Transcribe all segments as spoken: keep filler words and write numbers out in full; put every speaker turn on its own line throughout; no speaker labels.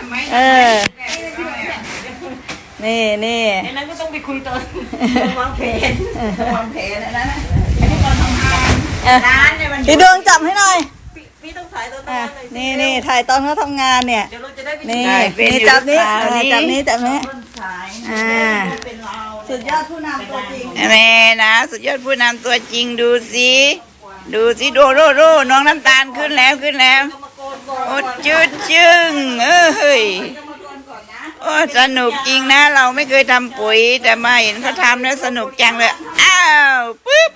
เออนี่นี่
ไอ้นั้นก็ต้องไปคุยตอนวางแผนวางแผนอะไรนะร้านเนี่ยมัน
พี่ดวงจับให้หน่อย
พี่ต้องถ่ายตอนนั้นเลย
นี่นี่ถ่ายตอนเขาทำงานเนี่ย
เดี๋ยวเราจะได้ไป
นี่นี่จับนี้จับนี้จับนี้อ่าสุดยอดผู้นำตัวจริง
แม่นะสุดยอดผู้นำตัวจริงดูสิดูสิดูโรโรน้องน้ำตาลขึ้นแล้วขึ้นแล้วโอ้จืดจึงเอ้ยโอ้สนุกจริงนะเราไม่เคยทำปุ๋ยแต่มาเห็นเขาทำแล้วสนุกจังเลยอ้าวปึ๊บ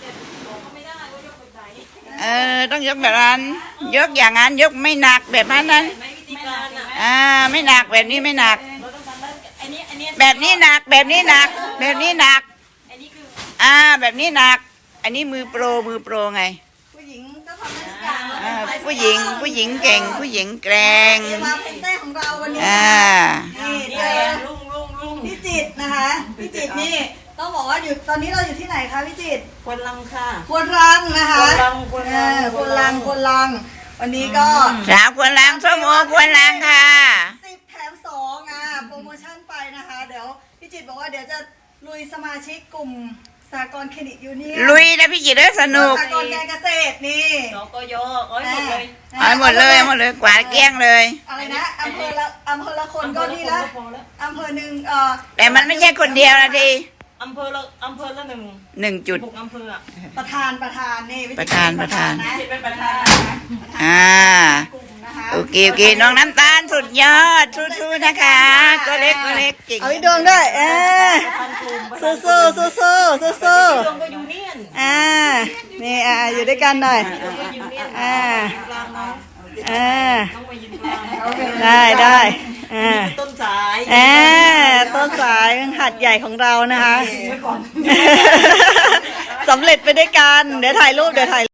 เออต้องยกแบบนั้นยกอย่างนั้นยกไม่หนักแบบนั้นนั้นอ่าไม่หนักแบบนี้ไม่หนักแบบนี้หนักแบบนี้หนักแบบนี้หนักอ่าแบบนี้หนักอันนี้มือโปรมือโปรไง
ผู้หญิงก็ทำได้ทุกอย่าง
อ่าผู้หญิงผู้หญิงเก่งผู้หญิงแกร่ง
มาเป็นเต้ของเราวันนี้
อ่า
นี่เจอพี่จิตนะคะพี่จิตนี่ต้องบอกว่าอยู่ตอนนี้เราอยู่ที่ไหนคะพี่จิต
ควนลังค่ะ
ควนรังนะคะ
ควนลังควนลัง
ควนรังควนรังวันนี้ก็
สาวควรล้างส้มโอควรล้างค่ะ
สิบแถมสองอ่ะโปรโมชั่นไปนะคะเดี๋ยวพี่จิตบอกว่าเดี๋ยวจะลุยสมาชิกกลุ่มสหกรณ์เครดิตยูเนียน
ลุยนะพี่จิตเลยสนุก
สหกรณ์การเกษตรนี่
สกยอ้อยหมดเลย
เอาหมดเลยหมดเลยกวาดเกลี้ยงเลย
อะไรนะอำเภอละอำเภอละคนก็นี่ละอำเภอหนึ่งเอ่อ
แต่มันไม่ใช่คนเดียวนะที
อำเภอละอำเภอละหนึ่ง
หนึ่งจุด
บุกอำเภออะ
ประธานประธานนี่
ประธานประธาน
นะ
เป็นประธาน
อ่าโอเคโอเคน้องน้ำตาลสุดยอดสู้ๆนะคะก็เล็กก็เล็กจริง
เอาอีกดวงด้วยเออสู้สู้สู้สู้สู้สู้
ดวงก็ยูเนียน
อ่านี่อ่าอยู่ด้วยกันหน่อยอ่าอ่าได้ได้อ่า
ต้นสาย
อ่าต้นสายหัดใหญ่ของเรานะคะสำเร็จไปด้วยกันเดี๋ยวถ่ายรูปเดี๋ยวถ่าย